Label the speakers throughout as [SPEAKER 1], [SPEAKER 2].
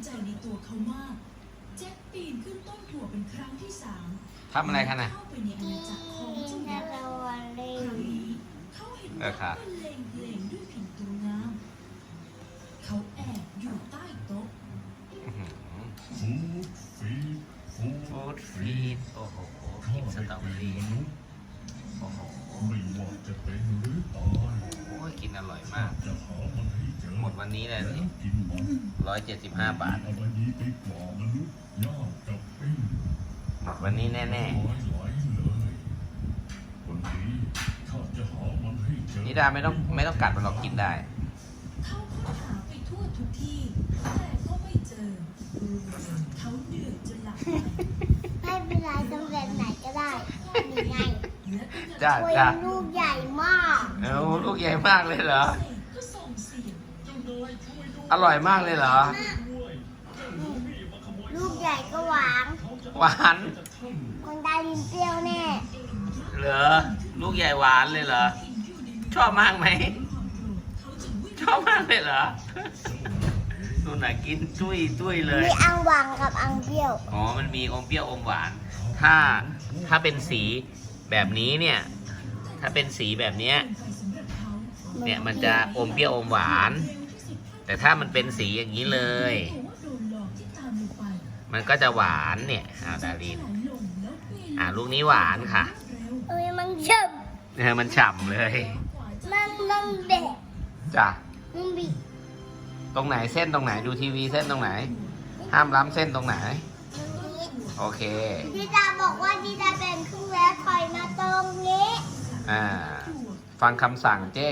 [SPEAKER 1] ใจในตัวเขามากแจ็คปีนขึ้นต้นหัวเป็นครั้งที่3
[SPEAKER 2] ทำอะไรคะน่ะ
[SPEAKER 1] เข้าไปในอาณาจักรของเจ้ายักษ์ครั้งนี้เขาเห็นว่าบรรเลงเพลงด้วยผิวตัวงามเขาแอบอยู่ใต้โต๊ะ
[SPEAKER 2] ฟู้ดฟีดโอ้โหกินสตรอเบอรี่โอ้โห
[SPEAKER 3] ไม่ว่าจะเป็นหรือตาย
[SPEAKER 2] โอ้ยกินอร่อยมาก
[SPEAKER 3] จะหามันให้เจอ
[SPEAKER 2] หมดวันนี้เลยนี่
[SPEAKER 3] กินมัน
[SPEAKER 2] 175 บาท
[SPEAKER 3] อะไรดีไปกว่ามนุษย์ย่างกับปิ้ง
[SPEAKER 2] หมดวันนี้แน่
[SPEAKER 3] ไหลเลยวันนี้ข้าจะหามันให้เจอ
[SPEAKER 2] ๆนิดาไม่ต้องกัดมันหรอกกินได้
[SPEAKER 1] เขาค้นหาไปทั่วทุกที่แต่ก็ไม่เจอเขาเหนื่อยจนหลับไป
[SPEAKER 4] ไม่เป็นไรตำแหน่งไหนก็ได้นี่ไง
[SPEAKER 1] และก็
[SPEAKER 2] จ้า
[SPEAKER 4] โอ้ย
[SPEAKER 2] จ้า
[SPEAKER 4] ลูกใหญ่มาก
[SPEAKER 2] เอ้าลูกใหญ่มากเลยเหรอ
[SPEAKER 1] ก็ส่งเสียง
[SPEAKER 2] อร่อยมากเลยเหรอ
[SPEAKER 4] ลูกใหญ่ก็หวาน
[SPEAKER 2] หวาน
[SPEAKER 4] คนได้ลิ้นเปรี้ยวแน่
[SPEAKER 2] เหรอ ลูกใหญ่หวานเลยเหรอ ชอบมากไหม ชอบมากเลยเหรอนู่นน่ะกินจุ้ยเลย
[SPEAKER 4] มีอังหวานกับอังเปรี้ยว
[SPEAKER 2] อ๋อ มันมีอมเปรี้ยวอมหวาน ถ้าเป็นสีแบบนี้เนี่ย ถ้าเป็นสีแบบเนี้ย เนี่ยมันจะอมเปรี้ยวอมหวาน แต่ถ้ามันเป็นสีอย่างนี้เลย มันก็จะหวานเนี่ยดาริน ลูกนี้หวานค่ะ
[SPEAKER 4] เอ้ยมันเจ็บ
[SPEAKER 2] มันฉ่ำเลย
[SPEAKER 4] มันเด็ก
[SPEAKER 2] จ้ะ
[SPEAKER 4] มันบีบ
[SPEAKER 2] ตรงไหนเส้นตรงไหนดูทีวีเส้นตรงไหน ห้ามล้ำเส้นตรงไหน โอเค
[SPEAKER 4] ดิดาบอกว่าดิดาเป็นครึ่งแล้วถอยมาตรงนี้
[SPEAKER 2] ฟังคำสั่งเจ้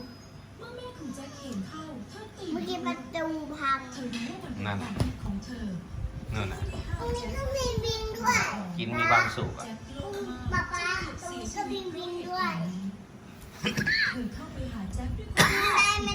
[SPEAKER 4] เมื่อกี้ประตูพัง
[SPEAKER 2] นั่นนั่นน่ะ
[SPEAKER 4] ตรงนี้ก็บินบินด้วย
[SPEAKER 2] กินมีความสุขอ่ะ
[SPEAKER 4] ป๊าป๊าตรงนี้ก็บินบินด้วย
[SPEAKER 1] เธอเข้าไปหาแจ็คด้วยคว